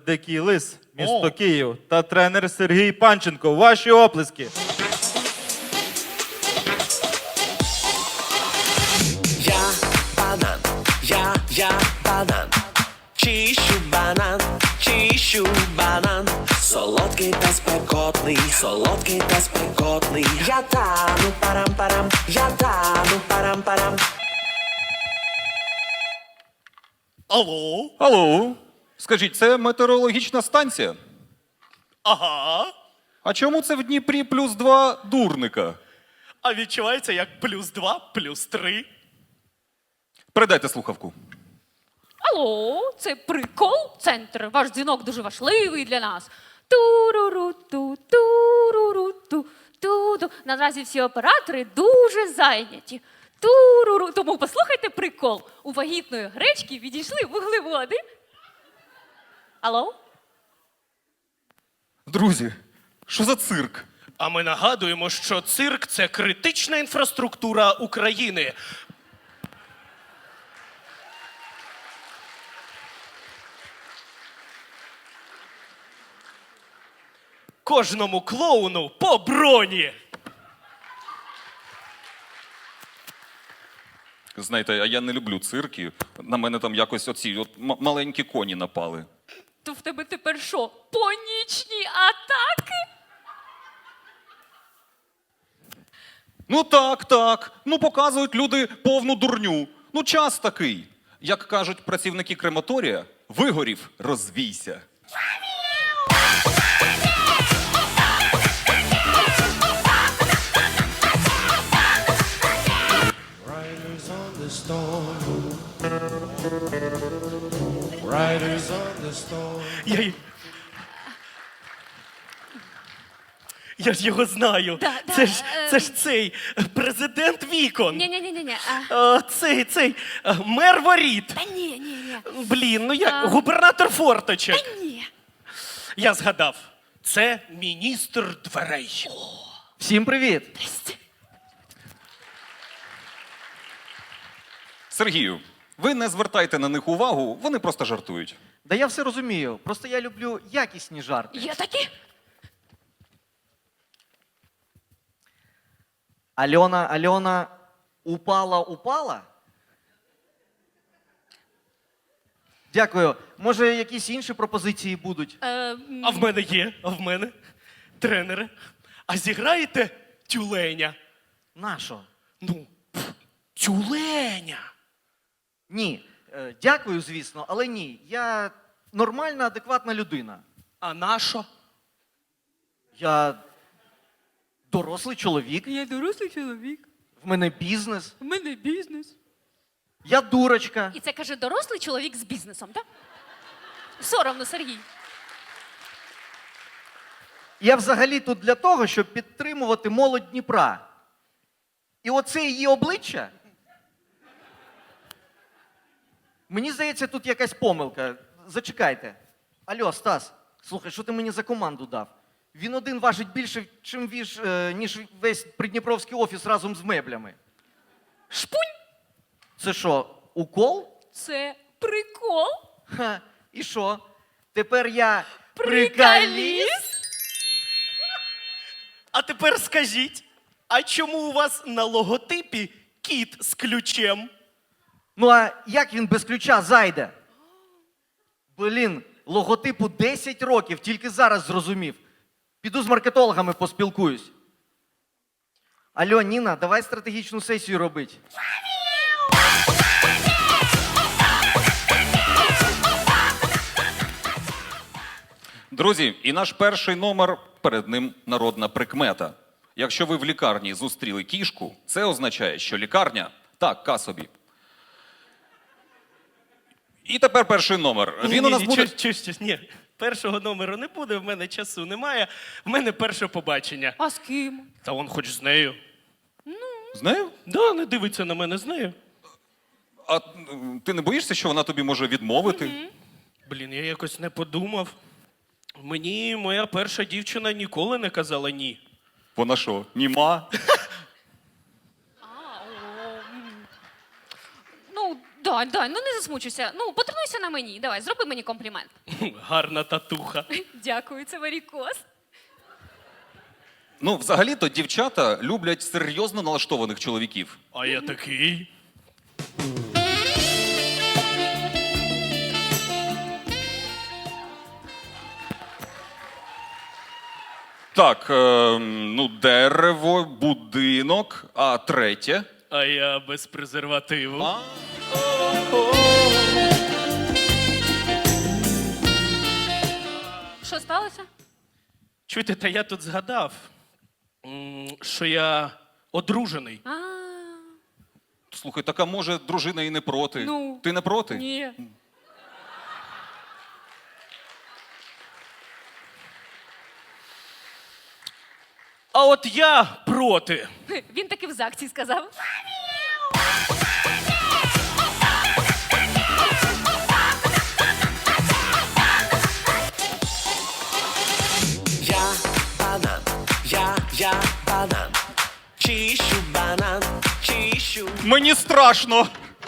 Дикий лис, місто Київ та тренер Сергій Панченко. Ваші оплески. Я банан, я банан, чищу банан, солодкий та спекотний, я тану парам-парам, я тану парам-парам. Алло? Алло, скажіть, це метеорологічна станція? Ага. А чому це в Дніпрі +2 дурника? А відчувається як +2, +3. Передайте слухавку. Алло, це прикол-центр. Ваш дзвінок дуже важливий для нас. Туруру-ту, туруру-ту, ту-ту. Наразі всі оператори дуже зайняті. Туруру. Тому послухайте прикол. У вагітної гречки відійшли вуглеводи. Алло? Друзі, що за цирк? А ми нагадуємо, що цирк – це критична інфраструктура України. Кожному клоуну по броні. Знаєте, а я не люблю цирки. На мене там якось оці маленькі коні напали. То в тебе тепер що? Панічні атаки? Ну так. Ну показують люди повну дурню. Ну час такий. Як кажуть працівники крематорія, вигорів, розвійся. Riders on the storm. Riders on the storm. Я ж його знаю. Да, Це ж цей президент Вікон. Ні-ні-ні. Цей мер Воріт. Та ні. Блін, ну як губернатор Форточок. Ні. Я згадав. Це міністр дверей. Всім привіт! Сергію, ви не звертайте на них увагу, вони просто жартують. Да я все розумію, просто я люблю якісні жарти. Є такі? Альона, упала? Дякую. Може, якісь інші пропозиції будуть? А в мене є, тренери. А зіграєте тюленя? Нащо? Ну, тюленя. Ні. Дякую, звісно, але ні. Я нормальна, адекватна людина. А нащо? Я дорослий чоловік. Я дорослий чоловік. В мене бізнес. У мене бізнес. Я дурочка. І це каже дорослий чоловік з бізнесом, так? Соромно, Сергій. Я взагалі тут для того, щоб підтримувати молодь Дніпра. І оце її обличчя. Мені здається, тут якась помилка. Зачекайте. Алло, Стас, слухай, що ти мені за команду дав? Він один важить більше, ніж весь придніпровський офіс разом з меблями. Шпунь! Це що, укол? Це прикол. Ха, і що? Тепер я Приколіст? А тепер скажіть, а чому у вас на логотипі кіт з ключем? Ну а як він без ключа зайде? Блін, логотипу 10 років, тільки зараз зрозумів. Піду з маркетологами поспілкуюсь. Алло, Ніна, давай стратегічну сесію робити. Друзі, і наш перший номер, перед ним народна прикмета. Якщо ви в лікарні зустріли кішку, це означає, що лікарня така собі. І тепер перший номер. Він у нас буде... Ні, першого номеру не буде, в мене часу немає. В мене перше побачення. А з ким? Та он хоч з нею. З нею? Да, не дивиться на мене з нею. А ти не боїшся, що вона тобі може відмовити? Блін, я якось не подумав. Мені моя перша дівчина ніколи не казала ні. Вона що, німа? Ну, да, ну не засмучуйся. Ну, потрібно Фокусуйся на мені. Давай, зроби мені комплімент. Гарна татуха. Дякую, це варікоз. Ну, взагалі-то дівчата люблять серйозно налаштованих чоловіків. А я такий. Так, ну, дерево, будинок, а третє. А я без презервативу. Що сталося? Чуєте, та я тут згадав, що я одружений. А, Слухай, така може дружина і не проти. Ну, Ти не проти? ні. А от я проти. Він таки в ЗАГСі сказав. Я банан, я банан. Чищу банан, чищу. Мені страшно.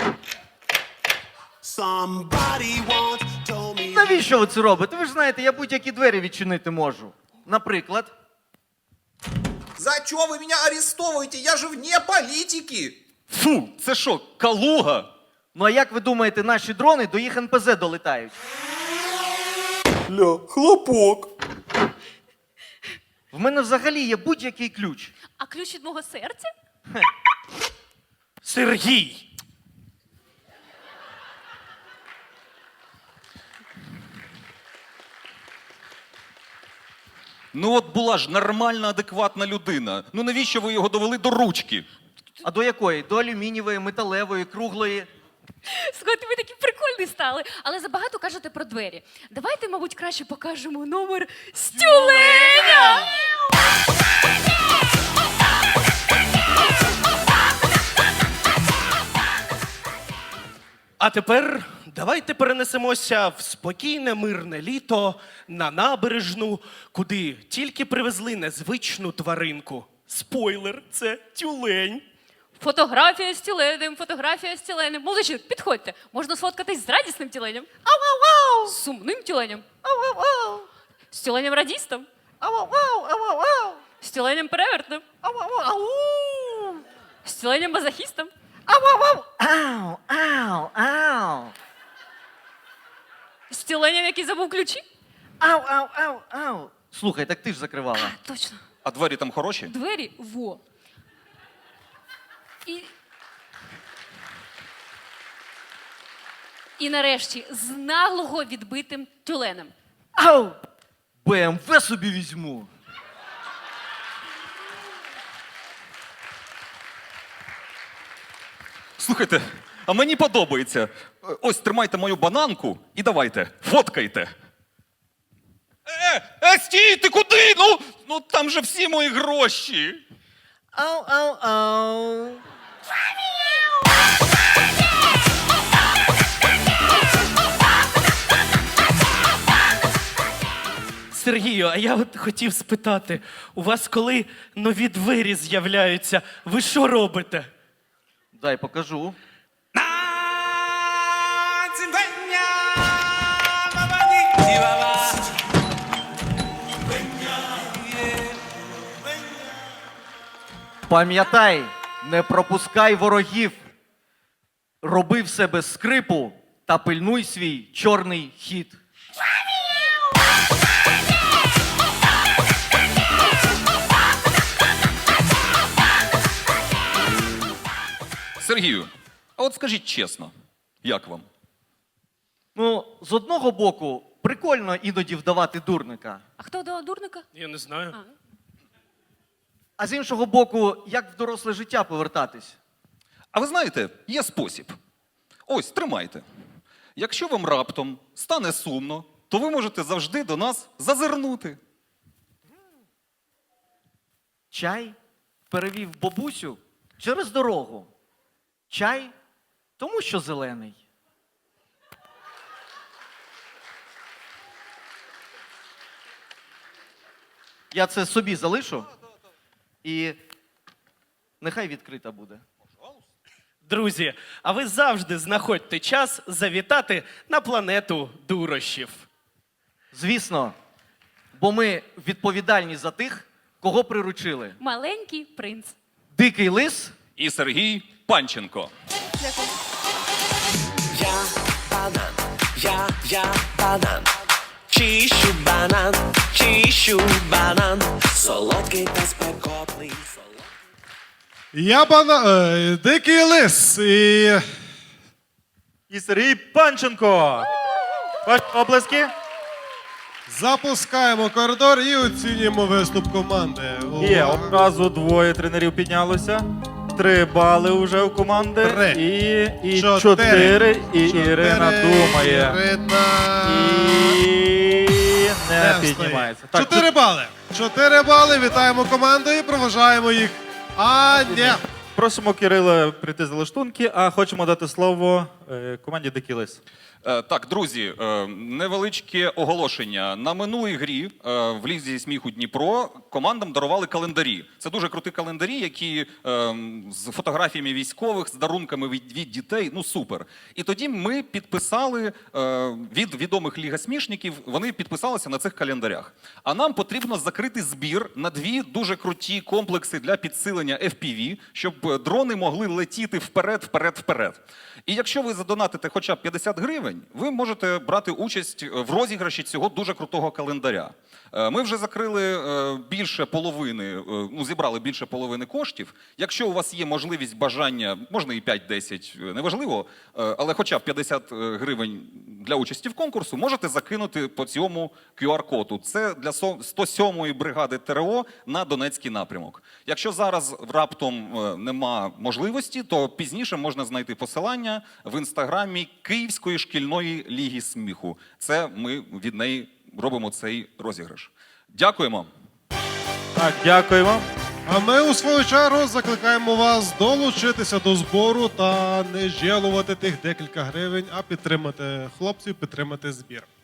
Somebody once told me. Навіщо ви це робите? Ви ж знаєте, я будь-які двері відчинити можу. Наприклад, За что вы меня арестовываете? Я же вне политики. Фу, це що, калуга? ну а як ви думаєте, наші дрони до їх НПЗ долетають? Ля, хлопок. В мене взагалі є будь-який ключ. А ключ від мого серця? Сергій. Ну от була ж нормальна, адекватна людина. Ну навіщо ви його довели до ручки? А до якої? До алюмінієвої, металевої, круглої. Слухайте, ви такі прикольні стали. Але забагато кажете про двері. Давайте, мабуть, краще покажемо номер стюленя. А тепер давайте перенесемося в спокійне мирне літо на набережну, куди тільки привезли незвичну тваринку. Спойлер, це тюлень. Фотографія з тюленем, фотографія з тюленем. Молодчик, підходьте. Можна сфоткатись з радісним тюленем. Ау-ау-ау! З сумним тюленем. Ау-ау-ау! З тюленем радістом. Ау-ау-ау! Ау-ау-ау! З тюленем перевертним. Ау-ау-ау! З тюленем мазохістом. Ау-ау-ау! Ау, ау, ау. З тюленем, який забув ключі. Ау, ау, ау, ау. Слухай, так ти ж закривала. Точно. А двері там хороші? Двері во. І нарешті з наглого відбитим тюленем. Ау! БМВ собі візьму. Слухайте, а мені подобається. Ось тримайте мою бананку і давайте, фоткайте. Стій, ти куди? Ну там же всі мої гроші. Ау, ау, ау. Сергію, а я от хотів спитати, у вас коли нові двері з'являються, ви що робите? Дай покажу. Пам'ятай, не пропускай ворогів. Роби все без скрипу та пильнуй свій чорний хід. Сергію, а от скажіть чесно, як вам? Ну, з одного боку, прикольно іноді вдавати дурника. А хто до дурника? Я не знаю. А з іншого боку, як в доросле життя повертатись? А ви знаєте, є спосіб. Ось, тримайте. Якщо вам раптом стане сумно, то ви можете завжди до нас зазирнути. Чай перевів бабусю через дорогу. Чай, тому що зелений. Я це собі залишу. І нехай відкрита буде. Друзі, а ви завжди знаходьте час завітати на планету дурощів. Звісно, бо ми відповідальні за тих, кого приручили. Маленький принц. Дикий лис. І Сергій Панченко. Дякую. Я банан. Чищу банан. Солодкий та спекотний. Дикий лис І Сергій Панченко. Ваші оплески. запускаємо коридор і оцінюємо виступ команди. Є, Увага. одразу двоє тренерів піднялося. 3 бали вже у команди. 3. І 4. І Ірина думає. Ірина І не встає. піднімається. Так, 4 бали. 4 бали. Вітаємо команду і проважаємо їх. А, ні. просимо Кирила прийти за лаштунки, а хочемо дати слово команді Дикий Лис. Так, друзі, невеличке оголошення. На минулій грі в Лізі сміху Дніпро командам дарували календарі. Це дуже круті календарі, які з фотографіями військових, з дарунками від дітей. Ну супер. І тоді ми підписали від відомих лігасмішників, вони підписалися на цих календарях. А нам потрібно закрити збір на 2 дуже круті комплекси для підсилення FPV, щоб дрони могли летіти вперед. І якщо ви задонатите хоча б 50 гривень, ви можете брати участь в розіграші цього дуже крутого календаря. Ми вже закрили більше половини, зібрали більше половини коштів. Якщо у вас є можливість, бажання, можна і 5-10, неважливо, але хоча б 50 гривень для участі в конкурсу, можете закинути по цьому QR-коду. Це для 107-ї бригади ТРО на Донецький напрямок. Якщо зараз раптом нема можливості, то пізніше можна знайти посилання в інстаграмі Київської шкільної ліги сміху. Це ми від неї робимо цей розіграш. Дякуємо. Так, дякуємо. А ми у свою чергу закликаємо вас долучитися до збору та не жалувати тих декілька гривень, а підтримати хлопців, підтримати збір.